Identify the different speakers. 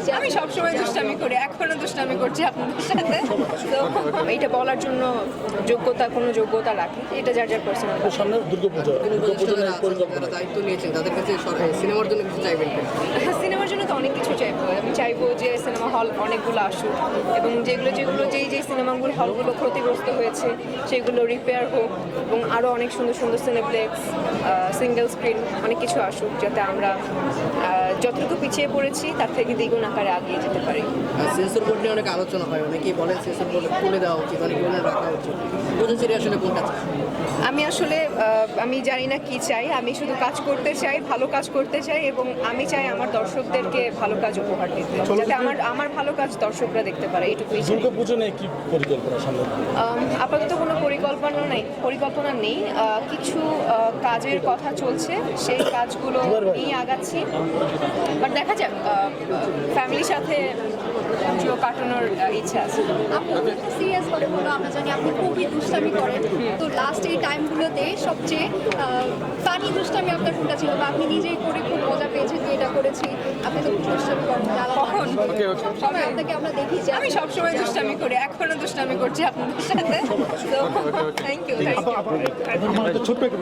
Speaker 1: আমি সবসময় দুষ্টামি করি, এখনো দুষ্টামি করছি আপনাদের সাথে। তো এইটা বলার জন্য কোনো যোগ্যতা রাখি, এটা যার যার পার্সোনাল।
Speaker 2: সামনে দুর্গাপূজা
Speaker 3: যারা দায়িত্ব নিয়েছেন তাদের কাছে সিনেমার জন্য কিছু চাইবেন?
Speaker 1: সিনেমার জন্য তো অনেক কিছু চাইবো। আমি চাইবো যে সিনেমা হল অনেকগুলো আসুক এবং যেই সিনেমাগুলো হলগুলো ক্ষতিগ্রস্ত হয়েছে সেগুলো রিপেয়ার হোক এবং আরও অনেক সুন্দর সুন্দর সিনেপ্লেক্স, সিঙ্গেল স্ক্রিন অনেক কিছু আসুক, যাতে আমরা যতটুকু পিছিয়ে পড়েছি তার থেকে দ্বিগুণ আকারে আগিয়ে যেতে পারি।
Speaker 3: সেন্সর বোর্ড নিয়ে অনেক আলোচনা হয়, অনেকেই বলেন সেন্সর বোর্ড খুলে দেওয়া উচিত, অনেকে বলেন রাখা উচিত। বুঝেছি আসলে কোনটা চাই?
Speaker 1: আমি জানি না কি চাই, আমি শুধু কাজ করতে চাই, ভালো কাজ করতে চাই এবং আমি চাই আমার দর্শকদেরকে ভালো কাজ উপহার দিতে, যাতে আমার ভালো কাজ দর্শকরা দেখতে পারে, এইটুকুই চাই।
Speaker 2: দুর্গাপূজা নিয়ে কি পরিকল্পনা সামনে?
Speaker 1: আপাতত কোনো পরিকল্পনা নেই। কিছু কাজের কথা চলছে, সেই কাজগুলো নিয়ে আগাচ্ছি, বাট দেখা যাক। ফ্যামিলির সাথে কাটানোর ইচ্ছা আছে।
Speaker 4: আপনি একটা সিরিয়াস করে বলো, আমরা জানি আপনি খুবই দুষ্টামি করেন, তো লাস্ট এই টাইমগুলোতে সবচেয়ে ফানি দুষ্টামি আপনার কোনটা ছিল, বা আপনি নিজেই করে খুব মজা পেয়েছেন যে এটা করেছি? আপনি তো খুব দুষ্টামি করেন,
Speaker 1: কখন?
Speaker 4: সবাই আপনাকে আমরা দেখি যে
Speaker 1: আমি সবসময় দুষ্টামি করি, এখনো দুষ্টামি করছি আপনাদের সাথে। তো থ্যাংক ইউ।
Speaker 2: ছোট্ট